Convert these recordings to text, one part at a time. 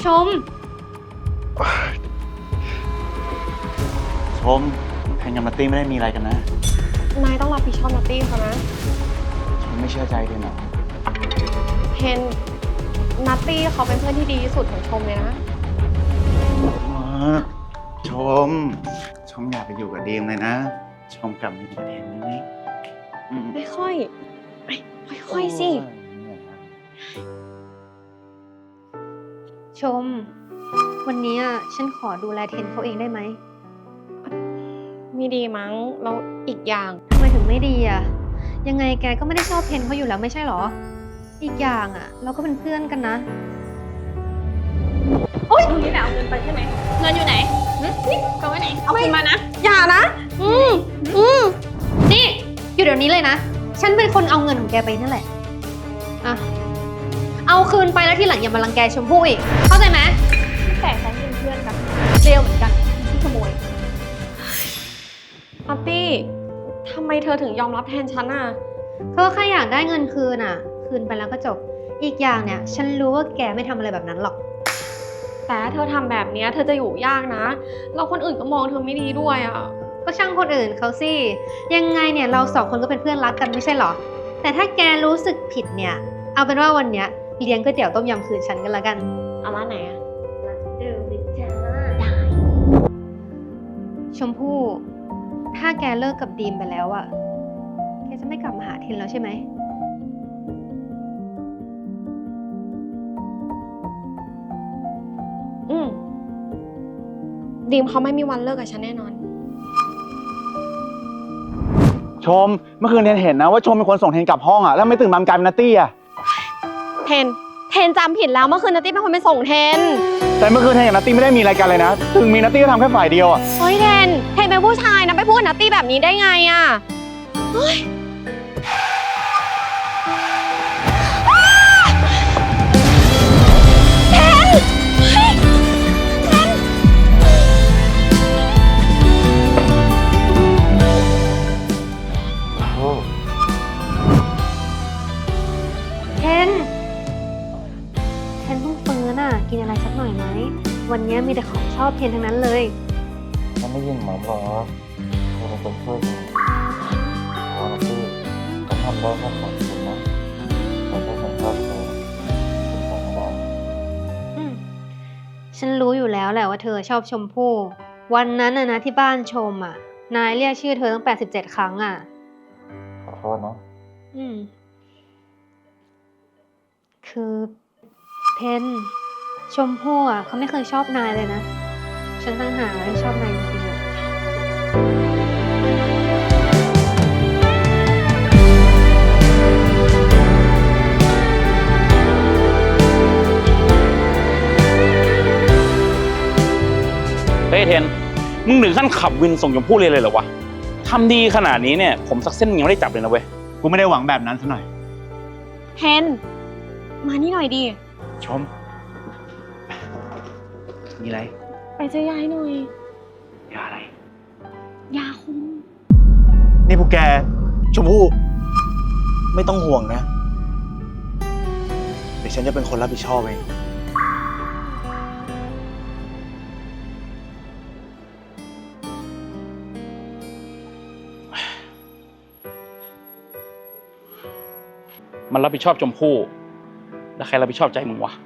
มแพนกับนัตตี้ไม่ได้มีอะไรกันนะนายต้องรับผิดชอบนัตตี้เขานะชมไม่เชื่อใจเลยเหรอเพนนัตตี้เขาเป็นเพื่อนที่ดีที่สุดของชมเลยนะชมอยากไปอยู่กับดีมเลยนะชมกลับมาอยู่กับเทนได้ไหมไม่ค่อยสิชมวันนี้ฉันขอดูแลเทนเขาเองได้ไหมไม่ดีมั้งแล้วอีกอย่างทำไมถึงไม่ดียังไงแกก็ไม่ได้ชอบเทนเขาอยู่แล้วไม่ใช่หรออีกอย่างเราก็เป็นเพื่อนกันนะโอ๊ยนี่แหละเอาเงินไปใช่ไหมเงินอยู่ไหนนี่เอาไว้ไหนเอาคืนมานะอย่านะนี่อยู่เดี๋ยวนี้เลยนะฉันเป็นคนเอาเงินของแกไปนั่นแหละเอาคืนไปแล้วทีหลังอย่ามารังแกชมพู่อีกเข้าใจไหมแต่ฉันเป็นเพื่อนกันเร็วเหมือนกันที่ขโมยนัตตี้ทำไมเธอถึงยอมรับแทนฉันก็แค่อยากได้เงินคืนคืนไปแล้วก็จบอีกอย่างเนี่ยฉันรู้ว่าแกไม่ทำอะไรแบบนั้นหรอกแต่ถ้าเธอทำแบบนี้เธอจะอยู่ยากนะแล้วคนอื่นก็มองเธอไม่ดีด้วยก็ช่างคนอื่นเขาสิยังไงเนี่ยเราสองคนก็เป็นเพื่อนรักกันไม่ใช่หรอแต่ถ้าแกรู้สึกผิดเนี่ยเอาเป็นว่าวันเนี้ยเลี้ยงก๋วยเตี๋ยวต้มยำคืนฉันกันละกันเอาร้านไหนร้านเดิมเลยจ้าได้ชมพู่ถ้าแกเลิกกับดีมไปแล้วแกจะไม่กลับมาหาเทนแล้วใช่ไหมดีมเขาไม่มีวันเลิกกับฉันแน่นอนชมเมื่อคืนเทนเห็นนะว่าชมเป็นคนส่งเทนกลับห้องแล้วไม่ตื่นมากลายเป็นนัตตี้เทนจำผิดแล้วเมื่อคืนนัตตี้เป็นคนไปส่งเทนแต่เมื่อคืนเทนกับนัตตี้ไม่ได้มีอะไรกันเลยนะถึงมีนัตตี้ก็ทำแค่ฝ่ายเดียวเฮ้ยเทนเป็นผู้ชายนะไปพูดกับนัตตี้แบบนี้ได้ไงเฮ้ยกินอะไรสักหน่อยไหมวันนี้มีแต่ของชอบเทนทั้งนั้นเลยฉันไม่ยินหมอบอกเธอเป็นคนช่วยฉันขอนะพี่ฉันทำได้แค่ขอบคุณนะแต่ถ้าฉันชอบเธอฉันทำไม่ได้ฉันรู้อยู่แล้วแหละว่าเธอชอบชมพู่วันนั้นนะที่บ้านชมนายเรียกชื่อเธอตั้ง87 ครั้งขอโทษนะคือเทนชมพู่เขาไม่เคยชอบนายเลยนะฉันตั้งหากที่ชอบนายจริงๆเฮ้ยเทนมึงถึงขั้นขับวินส่งชมพู่เลยเหรอวะทำดีขนาดนี้เนี่ยผมสักเส้นยังไม่ได้จับเลยนะเว้ยกูไม่ได้หวังแบบนั้นซะหน่อยเทนมานี่หน่อยดิชมมีอะไรไปเจอยายหน่อยยาอะไรยาคุมนี่พวกแกชมพู่ไม่ต้องห่วงนะเดี๋ยวฉันจะเป็นคนรับผิดชอบเองมันรับผิดชอบชมพู่แล้วใครรับผิดชอบใจมึงวะ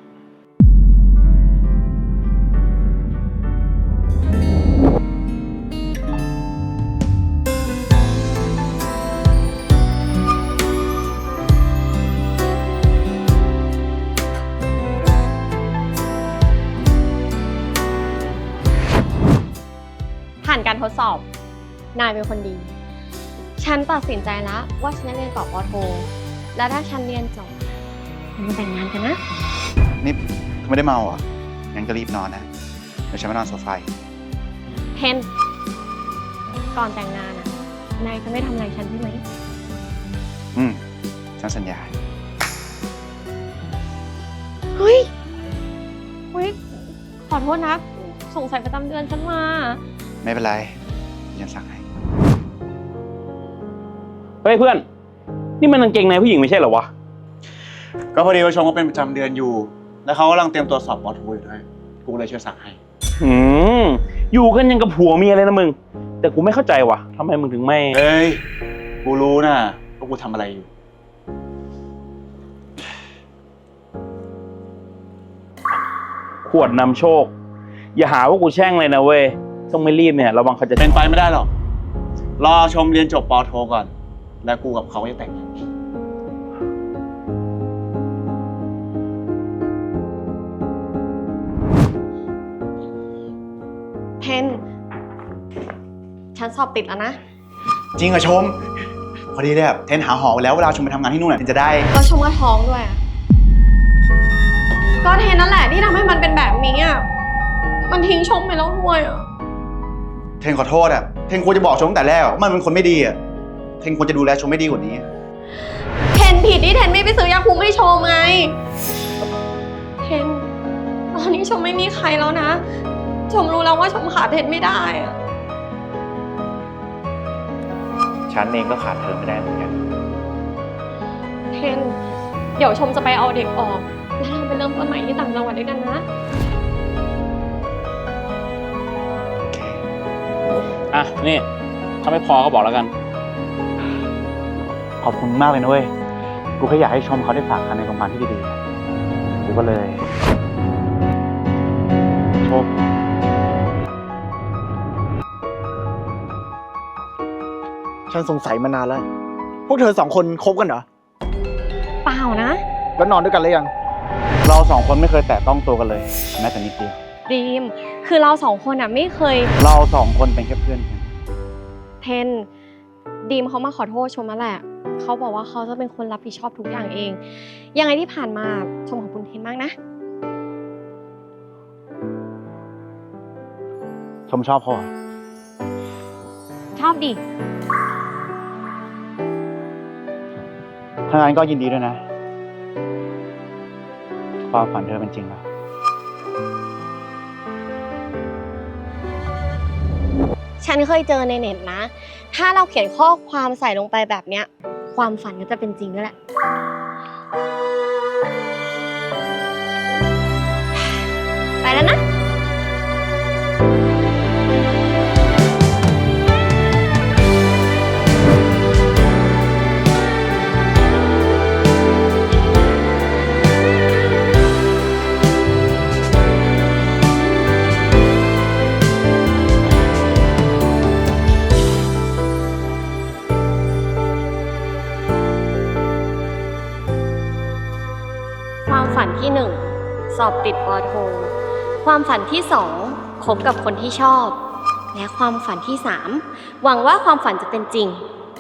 ผ่านการทดสอบนายเป็นคนดีฉันตัดสินใจแล้วว่าฉันจะเรียนต่อป.โทแล้วถ้าฉันเรียนจบเราแต่งงานกันนะนี่ไม่ได้เมางั้นก็รีบนอนนะเดี๋ยวฉันไปนอนโซฟาเทนก่อนแต่งงานนายจะไม่ทำอะไรฉันใช่ไหมฉันสัญญาเฮ้ยขอโทษนะสงสัยประจำเดือนฉันมาไม่เป็นไรฉันสั่งให้เฮ้ยเพื่อนนี่มันกางเกงในผู้หญิงไม่ใช่เหรอวะก็พอดีว่าชมเขาเป็นประจำเดือนอยู่แล้วเขากำลังเตรียมตัวสอบป.โทอยู่ด้วยกูเลยช่วยสั่งให้อืมอยู่กันยังกับผัวเมียเลยนะมึง แต่กูไม่เข้าใจว่ะทำไมมึงถึงไม่เฮ้ย กูรู้นะว่ากูทำอะไรอยู่ขวดนำโชค อย่าหาว่ากูแช่งเลยนะเว้ย ต้องไม่รีบเนี่ย ระวังเขาจะเป็นไปไม่ได้หรอก รอชมเรียนจบปอโทก่อน แล้วกูกับเขาจะแต่งงานเทน ฉันสอบติดแล้วนะจริงเหรอชม พอดีเลยเทนหาหอไว้แล้วเวลาชมไปทำงานที่นู่นเทนจะได้ก็ชมก็ท้องด้วยอะก็เทนนั่นแหละที่ทำให้มันเป็นแบบนี้อ่ะ มันทิ้งชมไปแล้วด้วยอ่ะเทนขอโทษเทนควรจะบอกชมตั้งแต่แรกว่ามันเป็นคนไม่ดีเทนควรจะดูแลชมไม่ดีกว่านี้เทนผิดที่เทนไม่ไปซื้อยาคุมให้ชมไง เทน ตอนนี้ชมไม่มีใครแล้วนะ ชมรู้แล้วว่าชมขาดเทนไม่ได้อะฉันเองก็ขาดเธอไม่ได้เหมือนกันเทน เดี๋ยวชมจะไปเอาเด็กออก แล้วเราไปเริ่มต้นใหม่ที่ต่างจังหวัดด้วยกันนะอ่ะ นี่ ถ้าไม่พอก็บอกแล้วกันขอบคุณมากเลยนะเว้ย กูแค่อยากให้ชมเขาได้ฝากคันในโรงพยาบาลที่ดีๆ กูก็เลยชมฉันสงสัยมานานแล้ว พวกเธอสองคนคบกันเหรอเปล่านะแล้วนอนด้วยกันหรือยังเราสองคนไม่เคยแตะต้องตัวกันเลย แม้แต่นิดเดียวดีม คือเราสองคนอ่ะไม่เคยเราสองคนเป็นแค่เพื่อนกันเทน ดีมเขามาขอโทษชมแล้วแหละ เขาบอกว่าเขาจะเป็นคนรับผิดชอบทุกอย่างเอง ยังไงที่ผ่านมาชมขอบคุณเทนมากนะชมชอบพ่อชอบดิถ้างั้นก็ยินดีด้วยนะ ความฝันเธอเป็นจริงแล้วฉันเคยเจอในเน็ตนะ ถ้าเราเขียนข้อความใส่ลงไปแบบเนี้ย ความฝันก็จะเป็นจริงด้วยแหละ ไปแล้วนะ ความฝันที่ 1 สอบติดปอโท ความฝันที่ 2 คบกับคนที่ชอบ และความฝันที่ 3 หวังว่าความฝันจะเป็นจริง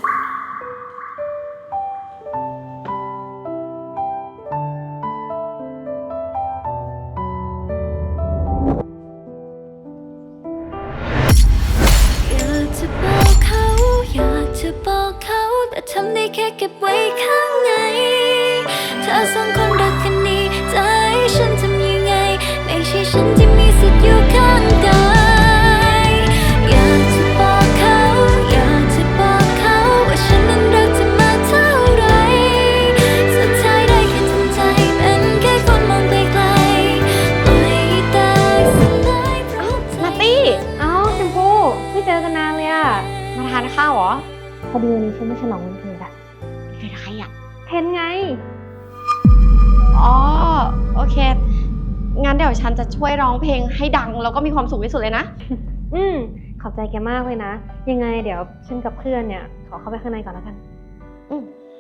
อยากจะบอกเขาอยากจะบอกเขาแต่ทำได้แค่เก็บไว้ข้างในเธอสองคนรักกันนี้จะให้ฉันทำยังไงไม่ใช่ฉันที่มีสิทธิ์อยู่ข้างกายอยากจะบอกเขาอยากจะบอกเขาว่าฉันนั้นรักเธอมาเท่าไรสุดท้ายได้แค่ทำใจเป็นแค่คนมองไกลๆปล่อยให้ตายสลายเพราะใจนัตตี้เอ้าชมพู่ไม่เจอกันนานเลยอะมาทานข้าวเหรอพอดีวันนี้ฉันไม่ฉลองวันเกิดอะเป็นใครอ่ะเทนไงอ๋อ โอเค งั้นเดี๋ยวฉันจะช่วยร้องเพลงให้ดัง แล้วก็มีความสุขที่สุดเลยนะขอบใจแกมากเลยนะ ยังไงเดี๋ยวฉันกับเพื่อนเนี่ย ขอเข้าไปข้างในก่อนแล้วกันอืม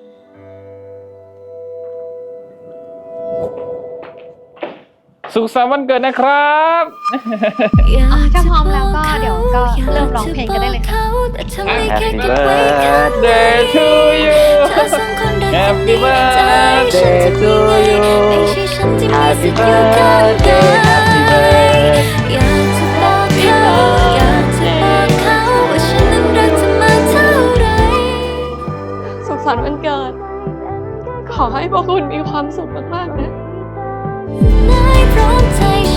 สุขสันต์วันเกิดนะครับถ้าพร้อมแล้วก็เดี๋ยวก็เริ่มร้องเพลงกันได้เลยค่ะ Happy birthday to you Happy birthday to you Happy birthday Happy birthday อยากจะบอกเขาอยากจะบอกเขาว่าฉันนั้นรักเธอมาเท่าไรสุขสันต์วันเกิด ขอให้พวกคุณมีความสุขมากๆนะนายพร้อมใจ